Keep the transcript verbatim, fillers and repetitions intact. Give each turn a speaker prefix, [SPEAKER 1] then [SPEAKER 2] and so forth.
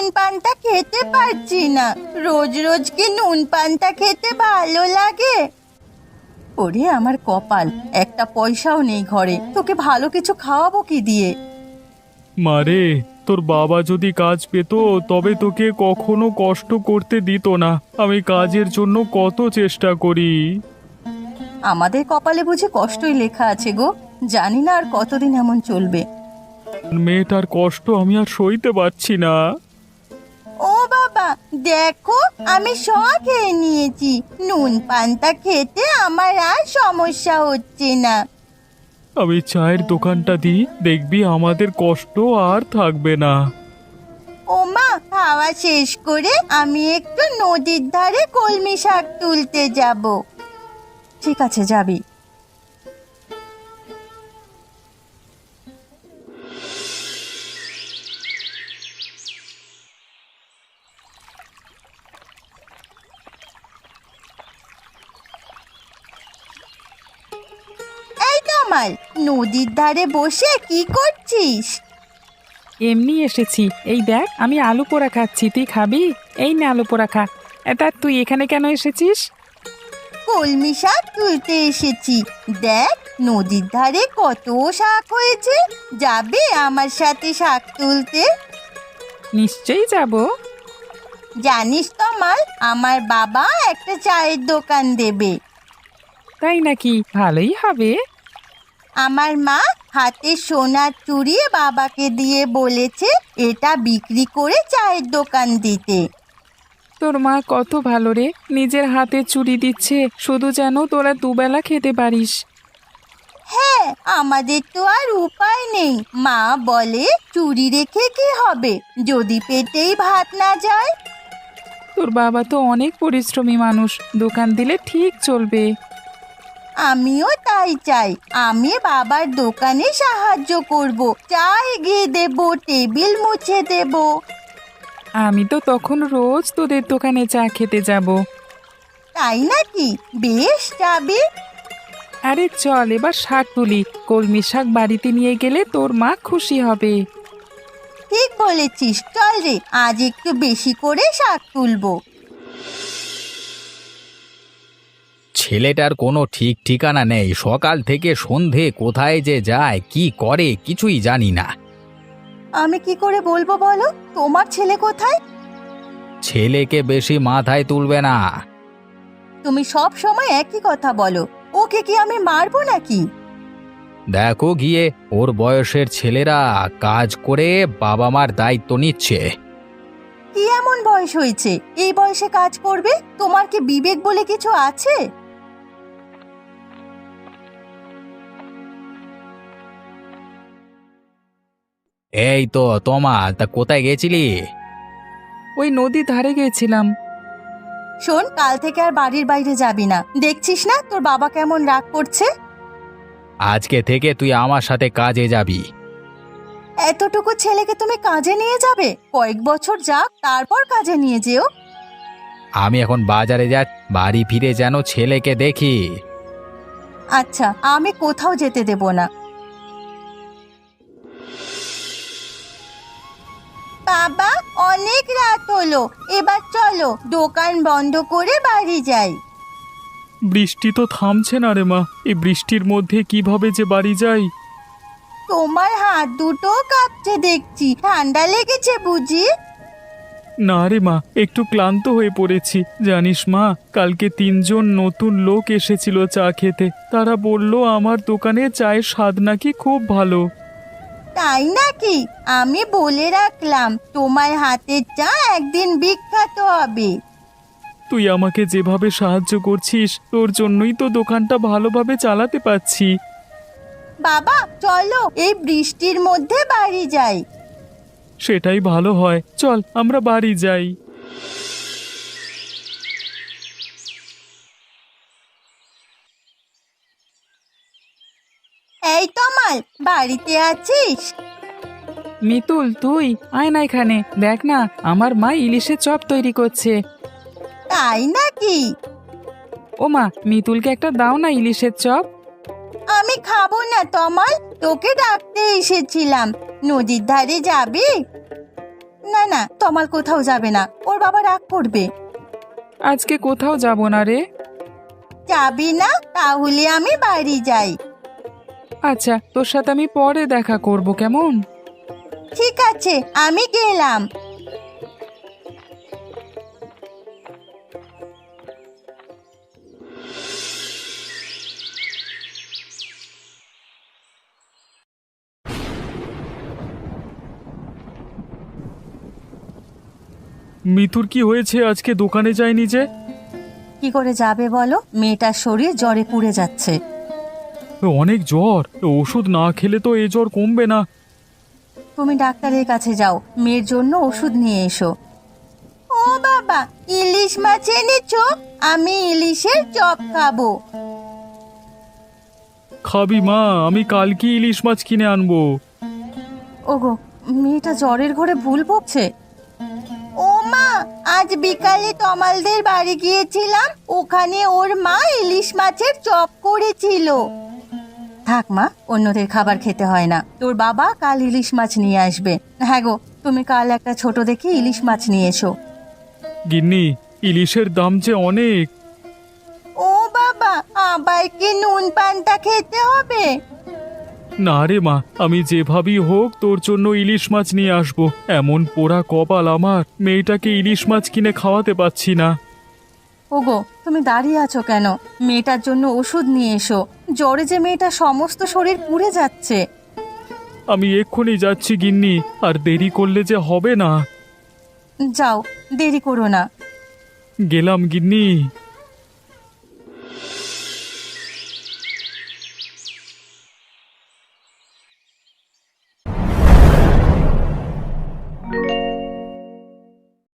[SPEAKER 1] পান্তা খেতে পারছি না। রোজ রোজ কি নুন পান্তা খেতে ভালো লাগে? ওরে আমার কপাল, একটা পয়সাও নেই ঘরে, তোকে ভালো কিছু খাওয়াবো কি দিয়ে?
[SPEAKER 2] মারে, তোর বাবা যদি কাজ পেত তবে তোকে কখনো কষ্ট করতে দিত না। আমি কাজের জন্য কত চেষ্টা করি।
[SPEAKER 1] আমাদের কপালে বুঝি কষ্টই লেখা আছে গো। জানি না আর কতদিন এমন চলবে।
[SPEAKER 2] মেয়েটার কষ্ট আমি আর সইতে পারছি না।
[SPEAKER 1] ও বাবা, দেখো আমি সব খেয়ে নিয়েছি। নুন পান্তা খেতে আমার আর সমস্যা হচ্ছে না।
[SPEAKER 2] আমি চায়ের দোকানটা দিই, দেখবি আমাদের কষ্ট আর থাকবে না।
[SPEAKER 1] ও মা, খাওয়া শেষ করে আমি একটু নদীর ধারে কলমি শাক তুলতে যাব। ঠিক আছে, যাবি। এই কামাল, নদীর ধারে বসে কি করছিস?
[SPEAKER 3] এমনি এসেছি। এই দেখ, আমি আলু পোড়া খাচ্ছি, তুই খাবি? এই না, আলু পোড়া খা। এটা তুই এখানে কেন এসেছিস?
[SPEAKER 1] কলমি শাক তুলতে এসেছি। দেখ নদীর ধারে কত শাক হয়েছে। যাবে আমার সাথে শাক তুলতে?
[SPEAKER 3] নিশ্চয়ই যাব।
[SPEAKER 1] জানিস তমাল, আমার বাবা একটা চায়ের দোকান দেবে।
[SPEAKER 3] তাই নাকি? ভালোই হবে।
[SPEAKER 1] আমার মা হাতে সোনার চুড়ি বাবাকে দিয়ে বলেছে এটা বিক্রি করে চায়ের দোকান দিতে।
[SPEAKER 3] তোর মা কত ভালো রে, নিজের হাতে চুরি দিচ্ছে শুধু যেন তোরা দুবেলা খেতে পারিস।
[SPEAKER 1] হ্যাঁ, আমাদের তো আর উপায় নেই। মা বলে চুরি রেখে কি হবে যদি পেটেই ভাত না যায়।
[SPEAKER 3] তোর বাবা তো অনেক পরিশ্রমী মানুষ, দোকান দিলে ঠিক চলবে।
[SPEAKER 1] আমিও তাই চাই। আমি বাবার দোকানে সাহায্য করব, চা এগিয়ে দেব, টেবিল মুছে দেব।
[SPEAKER 3] আমি তো তখন রোজ তোদের দোকানে চা খেতে যাব।
[SPEAKER 1] তাই নাকি? বেশ, যাবি।
[SPEAKER 3] আরে চল এবার শাক তুলি, কলমি শাক বাড়িতে নিয়ে গেলে তোর মা খুশি হবে।
[SPEAKER 1] ঠিক বলেছিস, চল রে, আজ একটু বেশি করে শাক তুলবো।
[SPEAKER 4] ছেলেটার কোনো ঠিক ঠিকানা নেই, সকাল থেকে সন্ধে কোথায় যে যায় কি করে কিছুই জানি না।
[SPEAKER 1] আমি কি করে বলবো বলো? তোমার ছেলে কোথায়?
[SPEAKER 4] ছেলেকে বেশি মাথায় তুলবে না।
[SPEAKER 1] তুমি সব সময় একই কথা বলো। ওকে কি আমি মারবো নাকি?
[SPEAKER 4] দেখো গিয়ে, ওর বয়সের ছেলেরা কাজ করে বাবা মার দায়িত্ব নিচ্ছে।
[SPEAKER 1] কি এমন বয়স হয়েছে এই বয়সে কাজ করবে? তোমার কি বিবেক বলে কিছু আছে?
[SPEAKER 4] এই তো তোমা, তা কোথায় গেছিলি?
[SPEAKER 3] ওই নদীর ধারে গেছিলাম।
[SPEAKER 1] শোন, কাল থেকে আর বাড়ির বাইরে যাবি না। দেখছিস না তোর বাবা কেমন রাগ করছে?
[SPEAKER 4] আজকে থেকে তুই আমার সাথে কাজে যাবি।
[SPEAKER 1] এতটুকু ছেলেকে তুমি কাজে নিয়ে যাবে? কয়েক বছর যাক, তারপর কাজে নিয়ে যেও।
[SPEAKER 4] আমি এখন বাজারে যা, বাড়ি ফিরে যেন ছেলেকে দেখি।
[SPEAKER 1] আচ্ছা, আমি কোথাও যেতে দেব না। বাবা, অনেক রাত হলো, এবার চলো দোকান বন্ধ করে বাড়ি যাই।
[SPEAKER 2] বৃষ্টি তো থামছে না রে মা, এই বৃষ্টির মধ্যে কিভাবে যে বাড়ি যাই।
[SPEAKER 1] তোমার হাত দুটো কাঁপছে দেখছি, ঠান্ডা লেগেছে বুঝি?
[SPEAKER 2] না রে মা, একটু ক্লান্ত হয়ে পড়েছি। জানিস মা, কালকে তিনজন নতুন লোক এসেছিল চা খেতে। তারা বলল আমার দোকানে চায়ের স্বাদ নাকি খুব ভালো।
[SPEAKER 1] তাই নাকি? আমি বলে রাখলাম তোমার হাতের চা একদিন বিখ্যাত হবে।
[SPEAKER 2] তুই আমাকে যেভাবে সাহায্য করছিস, তোর জন্যই তো দোকানটা ভালোভাবে চালাতে পারছি।
[SPEAKER 1] বাবা চলো এই বৃষ্টির মধ্যে বাড়ি যাই।
[SPEAKER 2] সেটাই ভালো হয়, চল আমরা বাড়ি যাই।
[SPEAKER 1] এই তমাল, বাড়িতে আছিস?
[SPEAKER 3] মিতুল, তুই আয় না এখানে, দেখ না আমার মা ইলিশের চপ তৈরি করছে।
[SPEAKER 1] তাই নাকি?
[SPEAKER 3] ও মা, মিতুলকে একটা দাও না ইলিশের চপ।
[SPEAKER 1] আমি খাবো না তমাল, তোকে ডাকতে এসেছিলাম। নদীর ধারে যাবি? না না, তমাল কোথাও যাবে না, ওর বাবা রাগ করবে।
[SPEAKER 3] আজকে কোথাও যাব না রে।
[SPEAKER 1] যাবি না? তাহলে আমি বাড়ি যাই।
[SPEAKER 3] আচ্ছা, তোর সাথে আমি পরে দেখা করব, কেমন?
[SPEAKER 1] ঠিক আছে, আমি গেলাম।
[SPEAKER 2] মিতুর কি হয়েছে? আজকে দোকানে যায়নি যে?
[SPEAKER 1] কি করে যাবে বলো? মেয়েটার শরীর জ্বরে পুড়ে যাচ্ছে।
[SPEAKER 2] অনেক জ্বর, ওষুধ না খেলে তো এই জ্বর কমবে না।
[SPEAKER 1] তুমি ডাক্তারের কাছে যাও, মেয়ের জন্য ওষুধ নিয়ে এসো। ও বাবা, ইলিশ মাছ এনেছো? আমি ইলিশের চপ খাবো।
[SPEAKER 2] খাবি মা? আমি কালকে ইলিশ মাছ কিনে আনবো।
[SPEAKER 1] ওগো, মেয়েটা জ্বরের ঘরে ভুল বকছে। ও মা, আজ বিকালে তমালদের বাড়ি গিয়েছিলাম, ওখানে ওর মা ইলিশ মাছের চপ করেছিল। থাক মা, অন্যদের খাবার খেতে হয় না। তোর বাবা কাল ইলিশ মাছ নিয়ে আসবে। হ্যাঁ গো, তুমি কাল একটা ছোট দেখে ইলিশ মাছ নিয়ে এসো।
[SPEAKER 2] গিন্নি, ইলিশের দাম যে অনেক।
[SPEAKER 1] ও বাবা, আবার কি নুন পান্তা খেতে হবে?
[SPEAKER 2] না রে মা, আমি যেভাবেই হোক তোর জন্য ইলিশ মাছ নিয়ে আসবো। এমন পোড়া কপাল আমার, মেয়েটাকে ইলিশ মাছ কিনে খাওয়াতে পাচ্ছি না।
[SPEAKER 1] ওগো, তুমি দাঁড়িয়ে আছো কেন? মেয়েটার জন্য ওষুধ নিয়ে এসো। জ্বরে যে মেয়েটা সমস্ত শরীর পুড়ে যাচ্ছে।
[SPEAKER 2] আমি এক্ষুনি যাচ্ছি গিন্নি, আর দেরি করলে যে হবে না।
[SPEAKER 1] যাও, দেরি করো না।
[SPEAKER 2] গেলাম গিন্নি।